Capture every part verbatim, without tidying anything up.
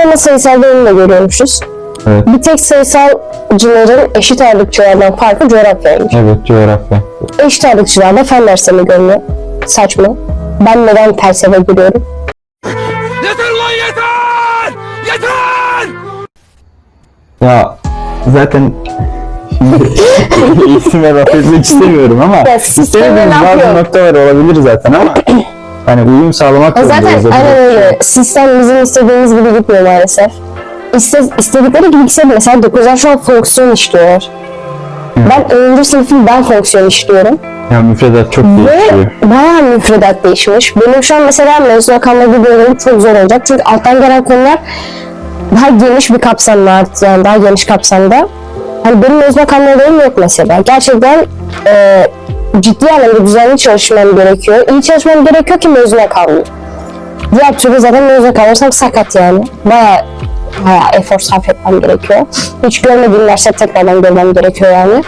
ama sayısal bölümde görüyormuşuz. Evet. Bir tek sayısalcıların eşit ağırlıkçılardan farkı coğrafyaymış. Evet, coğrafya. Eşit ağırlıkçılarda fen derslerini görüyor. Saçma. Ben neden felsefe görüyorum? Yeter lan yeter! Yeter! Ya zaten eğitime laf etmek istemiyorum ama Ya, sisteme istemediğimiz laf bazı yok. noktalar olabilir zaten ama hani uyum sağlamak Ya zaten zorundayız. aynen öyle. Sistem bizim istediğimiz gibi gitmiyor maalesef. İste, istedikleri gibi gitse mesela dokuzlar şu an fonksiyon işliyorlar. Hı. Ben onuncu sınıfım ben fonksiyon işliyorum. Ya müfredat çok değişiyor. Ve bayağı müfredat değişmiş. Benim şu an mesela mezuna kalma videolarım çok zor olacak. Çünkü alttan gelen konular daha geniş bir kapsamda artık, yani daha geniş kapsamda. Hani benim mezuna kalmalarım yok mesela. Gerçekten e, ciddi anlamda düzenli çalışmam gerekiyor. İyi çalışmam gerekiyor ki mezuna kalmayayım. Diğer türlü zaten mezuna kalırsam sakat yani. Bayağı bayağı efor sarf etmem gerekiyor. Hiç görmediğim derse tekrardan görmem gerekiyor yani.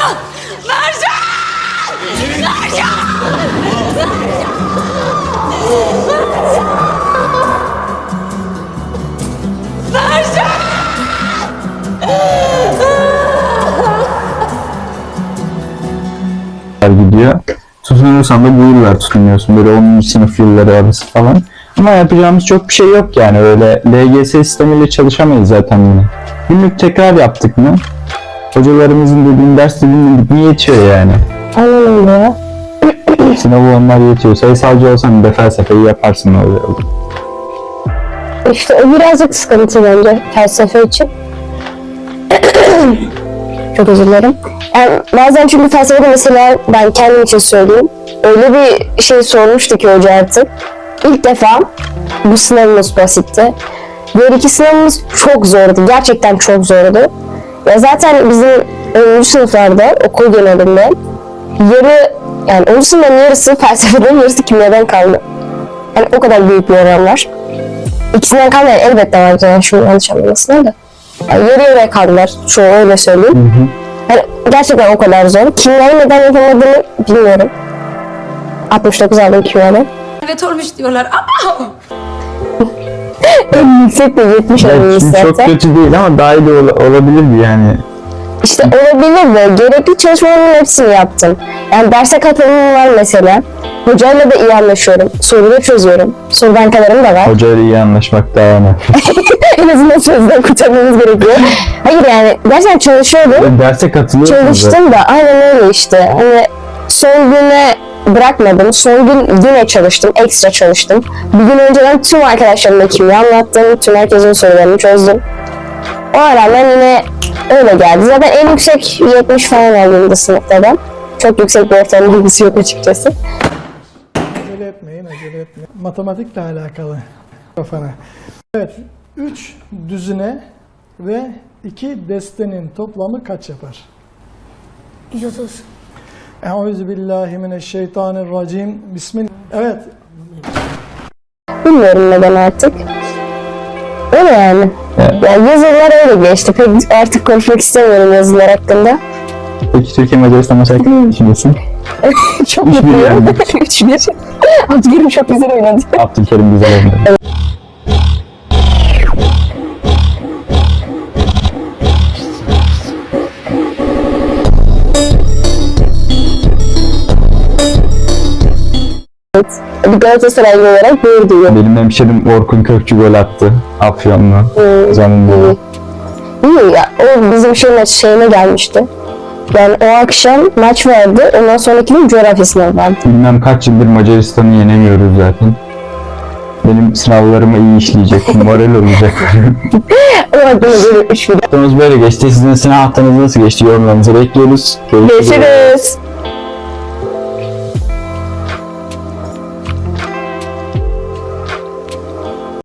gidiyor. Tutunursan da bu yıllar tutunuyorsun. Böyle onuncu sınıf yılları arası falan. Ama yapacağımız çok bir şey yok yani. Öyle L G S sistemiyle çalışamayız zaten yine. Günlük tekrar yaptık mı? Hocalarımızın dediğin ders dinledik mi yetiyor yani. Aynen öyle ya. Sınavı onlar yetiyor. Sayısalcı olsan bir de felsefeyi yaparsın ne oluyor. İşte o birazcık sıkıntı bence felsefe için. Çok özür dilerim. Yani bazen çünkü felsefede mesela ben kendim için söyleyeyim. Öyle bir şey sormuştu ki hoca artık. İlk defa bu sınavımız basitti. Diğer iki sınavımız çok zordu. Gerçekten çok zordu. Ya zaten bizim onuncu sınıflarda okul genelinde yarı yani onuncu sınıfın yarısı felsefeden yarısı kimyadan kaldı. Yani o kadar büyük bir oran var. İkisinden kalmayan elbette var yani şu yanlış anlamasına da. Yani yarı yarıya kaldılar. Çoğu öyle söyleyeyim. Hı hı. Yani gerçekten o kadar zor. Kimyayı neden yapamadığını bilmiyorum. altmış dokuz aldım kimyadan. Evet olmuş diyorlar ama En yüksek de yetmiş almış Şimdi zaten. çok kötü değil ama daha iyi de ol- olabilirdi yani. İşte olabilir de gerekli çalışmaların hepsini yaptım. Yani derse katılımım var mesela. Hocayla da iyi anlaşıyorum. Soruları çözüyorum. Soru bankalarım da var. Hocayla iyi anlaşmak daha önemli. En azından sözden kurtarmamız gerekiyor. Hayır yani gerçekten çalışıyordum. Derse katılıyorsun Çalıştım da aynen öyle işte. Hani son güne bırakmadım. Son gün yine çalıştım. Ekstra çalıştım. Bir gün önceden tüm arkadaşlarımla kimya anlattım. Tüm herkesin sorularını çözdüm. O rağmen yine öyle geldi. Zaten en yüksek yetmiş falan aldığımda sınıfta ben. Çok yüksek bir ortalama bilgisi yok açıkçası. Acele etmeyin, acele etmeyin. Matematikle alakalı kafana. Evet, üç düzine ve iki destenin toplamı kaç yapar? yüz otuz. Euzubillahimineşşeytanirracim. Bismillah. Evet, Bilmiyorum neden artık. Öyle yani. Evet. Yani yazılar öyle geçti. Pek artık konuşmak istemiyorum yazılar hakkında. Peki Türkiye Macaristan maçı hakkında ne düşünüyorsun? Çok Üç bir mutluyum. yani. üç bir. Abdülkerim çok güzel oynadı. Abdülkerim güzel oynadı. Bir Galatasaraylı olarak gurur duyuyorum. Benim hemşerim Orkun Kökçü gol attı. Afyonlu. Hmm. Zanında. İyi ya, o bizim şey maç şeyine gelmişti. Yani o akşam maç vardı, ondan sonraki gün coğrafya sınavı vardı. Bilmem kaç yıldır Macaristan'ı yenemiyoruz zaten. Benim sınavlarımı iyi işleyecek, moral olacak. O aklıma böyle üç video. Haftamız böyle geçti. Sizin sınav haftanız nasıl geçti? Yorumlarınızı bekliyoruz. Görüşürüz.